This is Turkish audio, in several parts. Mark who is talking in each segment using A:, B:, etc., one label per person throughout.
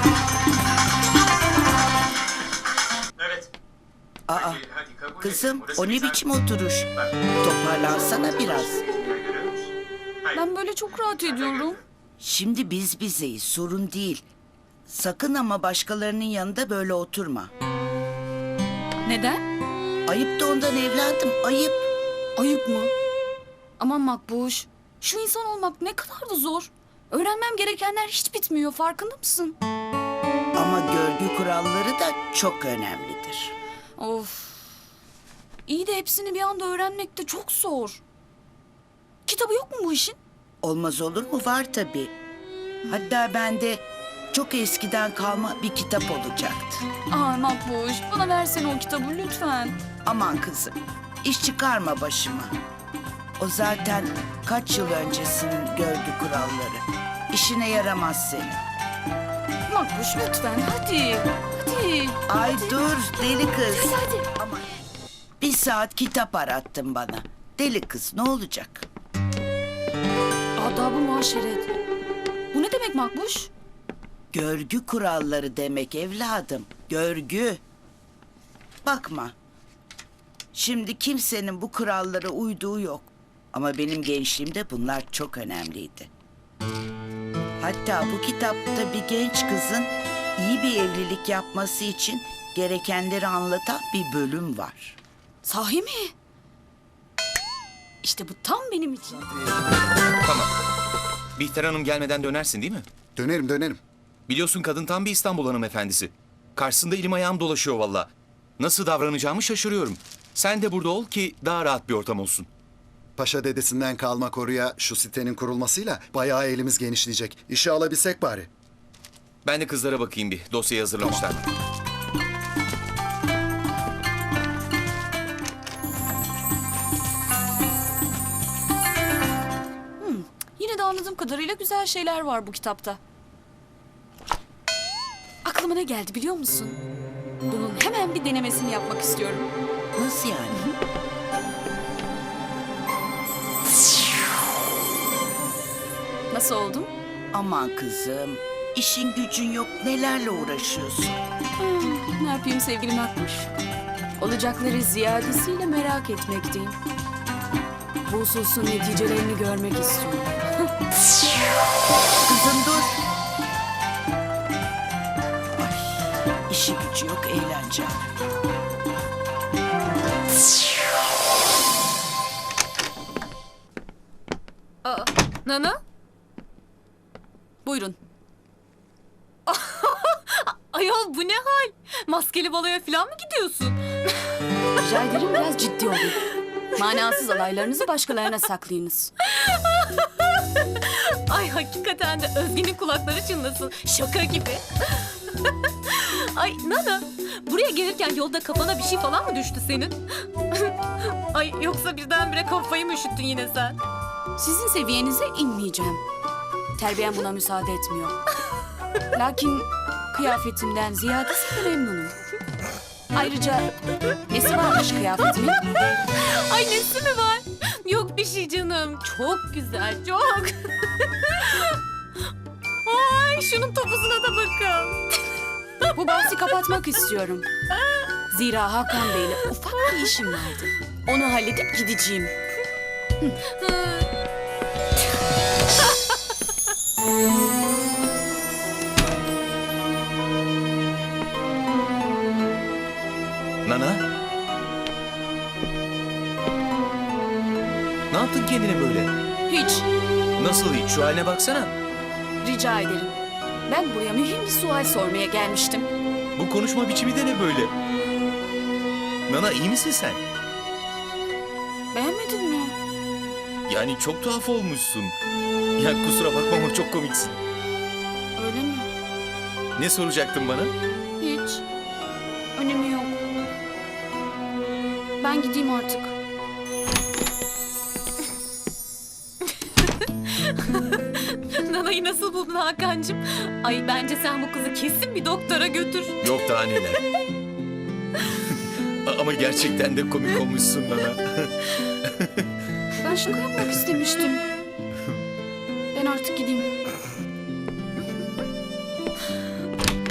A: Evet.
B: Aa,
A: Hadi kabul
B: kızım
A: edin. Burası
B: o ne
A: güzel.
B: biçim oturuş?
A: Bak,
B: Toparlansana biraz.
A: görüyor musun? Hayır.
C: Ben böyle çok rahat ediyorum.
B: Şimdi biz bizeyiz, sorun değil. Sakın ama başkalarının yanında böyle oturma.
C: Neden?
B: Ayıp da ondan evladım, ayıp.
C: Ayıp mı? Aman Makbuş. Şu insan olmak ne kadar da zor. Öğrenmem gerekenler hiç bitmiyor, farkında mısın?
B: Ama görgü kuralları da çok önemlidir.
C: Of. İyi de hepsini bir anda öğrenmek de çok zor. Kitabı yok mu bu işin?
B: Olmaz olur mu? Var tabii. Hatta bende çok eskiden kalma bir kitap olacaktı.
C: Ay Makbuş, bana versene o kitabı lütfen.
B: Aman kızım, iş çıkarma başıma. O zaten kaç yıl öncesinin görgü kuralları. İşine yaramaz senin.
C: Makbuş lütfen, hadi. Hadi.
B: Ay dur deli kız.
C: Hadi.
B: Aman. Bir saat kitap arattın bana. Deli kız ne olacak?
C: Adab-ı muaşeret. Bu ne demek Makbuş?
B: Görgü kuralları demek evladım. Görgü. Bakma. Şimdi kimsenin bu kurallara uyduğu yok. Ama benim gençliğimde bunlar çok önemliydi. Hatta bu kitapta bir genç kızın iyi bir evlilik yapması için gerekenleri anlatan bir bölüm var.
C: Sahi mi? İşte bu tam benim için.
D: Tamam. Bihter Hanım gelmeden dönersin değil mi?
E: Dönerim.
D: Biliyorsun kadın tam bir İstanbul hanımefendisi. Karşısında elim ayağım dolaşıyor valla. Nasıl davranacağımı şaşırıyorum. Sen de burada ol ki daha rahat bir ortam olsun.
E: Paşa dedesinden kalma koruya şu sitenin kurulmasıyla bayağı elimiz genişleyecek. İşe alabilsek bari.
D: Ben de kızlara bakayım bir. Dosyayı hazırlamışlar mı?
C: Yine de anladığım kadarıyla güzel şeyler var bu kitapta. Aklıma ne geldi biliyor musun? Bunun hemen bir denemesini yapmak istiyorum.
B: Nasıl yani?
C: Nasıl oldum?
B: Aman kızım, işin gücün yok, nelerle uğraşıyorsun?
C: Ne yapayım sevgili Makbuş? Olacakları ziyadesiyle merak etmekteyim. Bu hususun neticelerini görmek istiyorum.
B: Kızım dur. Ay, işi gücü yok, eğlence.
F: Nana?
C: Buyurun.
F: Ayol bu ne hal? Maskeli baloya falan mı gidiyorsun?
C: Rica ederim biraz ciddi olun. Manasız alaylarınızı başkalarına saklayınız.
F: Ay hakikaten de Özge'nin kulakları çınlasın. Şaka gibi. Ay Nana, buraya gelirken yolda kafana bir şey falan mı düştü senin? Ay yoksa birdenbire kafayı mı üşüttün yine sen?
C: Sizin seviyenize inmeyeceğim. Terbiyem buna müsaade etmiyor. Lakin kıyafetimden ziyadesiyle memnunum. Ayrıca nesi varmış kıyafetimin?
F: Ay nesi mi var? Yok bir şey canım. Çok güzel, çok. Ay şunun topuzuna da bakın.
C: Bu bahsi kapatmak istiyorum. Zira Hakan Bey'le ufak bir işim vardı. Onu halledip gideceğim.
D: Nana? Ne yaptın kendine böyle?
C: Hiç.
D: Nasıl hiç? Şu haline baksana.
C: Rica ederim. Ben buraya mühim bir sual sormaya gelmiştim.
D: Bu konuşma biçimi de ne böyle? Nana iyi misin sen?
C: Beğenmedin mi?
D: Yani çok tuhaf olmuşsun. Ya kusura bakma ama çok komiksin.
C: Öyle mi?
D: Ne soracaktın bana?
C: Hiç. Önemi yok. Ben gideyim artık.
F: Nana'yı nasıl buldun Hakan'cığım? Ay bence sen bu kızı kesin bir doktora götür.
D: Yok daha neler. Ama gerçekten de komik olmuşsun Nana.
C: Ben şaka yapmak istemiştim. Ben artık gideyim.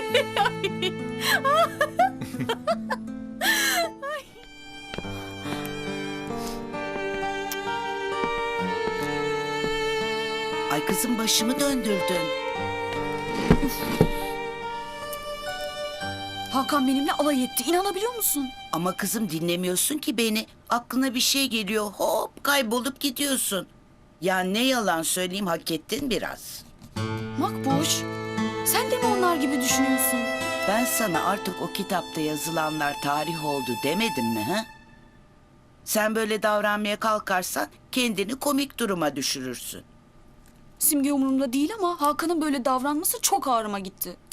B: Ay kızım başımı döndürdün.
C: Hakan benimle alay etti. İnanabiliyor musun?
B: Ama kızım dinlemiyorsun ki beni. Aklına bir şey geliyor hop kaybolup gidiyorsun. Ya ne yalan söyleyeyim hak ettin biraz.
C: Makbuş, sen de mi onlar gibi düşünüyorsun?
B: Ben sana artık o kitapta yazılanlar tarih oldu demedim mi ha? Sen böyle davranmaya kalkarsan kendini komik duruma düşürürsün.
C: Simge umurumda değil ama Hakan'ın böyle davranması çok ağrıma gitti.